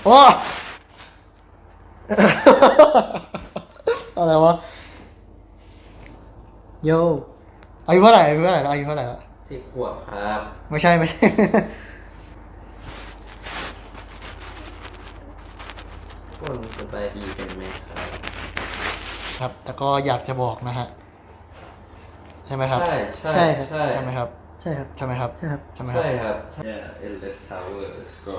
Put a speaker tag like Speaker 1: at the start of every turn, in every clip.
Speaker 1: โอ้อะไรวะ
Speaker 2: โย
Speaker 1: อายุเท่าไหร่อายุเท่าไหร่อายุเท่าไหร่ละ
Speaker 3: 10 ขวบครับ
Speaker 1: ไม่ใช่ไม่ใช่
Speaker 3: พวกสบายดีกันไหมครับ
Speaker 1: ครับแต่ก็อยากจะบอกนะฮะใช่ไหมครับ
Speaker 3: ใช่ใช่
Speaker 2: ใช่ครับ
Speaker 3: ใช่
Speaker 1: ใช่ไหมครับ
Speaker 2: ใช่ครับ
Speaker 1: ใช่ไหมครับ
Speaker 2: ใช่ครับ
Speaker 1: ใช่ไหมครับ
Speaker 3: ใช่ครับ Yeah Endless Tower Let's go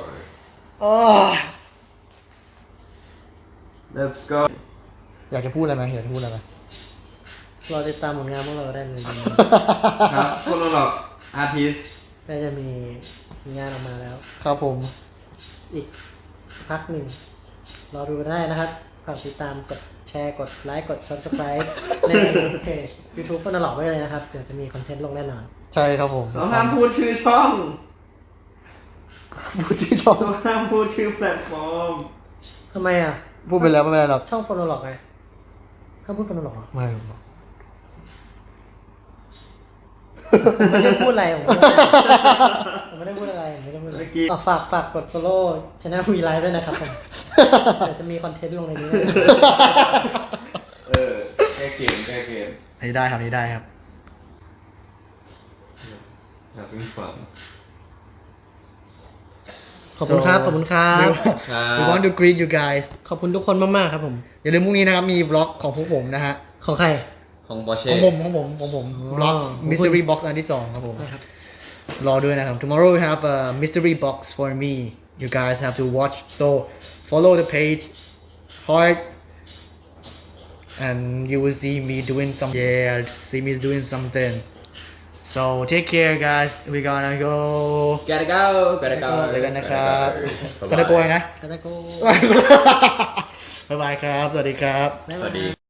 Speaker 1: เออ
Speaker 3: Let's go
Speaker 1: อยากจะพูดอะไรไหมอยากจะพูดอะไรไหม
Speaker 2: รอติดตามผลงานพวกเราได้เลย
Speaker 3: ครับพวกเราหรอกอาร์ติส
Speaker 2: ก็จะมีงานออกมาแล้ว
Speaker 1: ครับผม
Speaker 2: อีกสักพักหนึ่งรอดูได้นะครับฝากติดตามกดแชร์กดไลค์กด subscribe ในเพจ YouTube ฟอนหลอกไว้เลยนะครับ เดี๋ยวจะมีคอนเทนต์ลงแน่นอน
Speaker 1: ใช่ครับผม
Speaker 3: เราห้ามพูดชื่อช่อง
Speaker 1: พูดชื่อช่อง
Speaker 3: เราห้ามพูดชื่อแพลตฟอร์ม
Speaker 2: ทำไมอ่ะ
Speaker 1: พูดไปแล้วไม่เป็นไรหรอก
Speaker 2: ช่องฟอนหลอกไงห้ามพูดฟอนหลอกเหรอ
Speaker 1: ไม่
Speaker 2: ผมไม่ได้พูดอะไรผมไม่ได้พูดอะไรผมไม่ได้พูดอะไรฝากกด follow channel วีไลฟ์ด้วยนะครับผมเดี๋ยวจะมีคอนเทนต์ลงในนี้
Speaker 3: แก้เกมแก้เกม
Speaker 1: อันนี้ได้ครับอันนี้ได้ครับ
Speaker 3: อยากเป็นฝัง
Speaker 2: ขอบคุณครับ ขอบคุณครับ
Speaker 1: We want to greet you guys
Speaker 2: ขอบคุณทุกคนมากๆครับผม
Speaker 1: อย่าลืมพรุ่งนี้นะครับมีบล็อกของพวกผมนะฮะ
Speaker 2: ของใคร
Speaker 3: ของบอเช่
Speaker 1: ของผมบล็อก
Speaker 2: ของคุณ
Speaker 1: mystery box อันที่สองครับผม
Speaker 2: นะครับ
Speaker 1: รอด้วยนะครับ tomorrow we have a mystery box for me you guys have to watch so follow the page hard and you will see me doing some see me doing something so take care guys we gonna go
Speaker 3: gotta go gotta go
Speaker 1: เจอกันนะครับก็ได้โกยนะ
Speaker 2: กาตาโก
Speaker 1: บ๊ายบายครับ สวัสดีครับ
Speaker 3: สวัสดี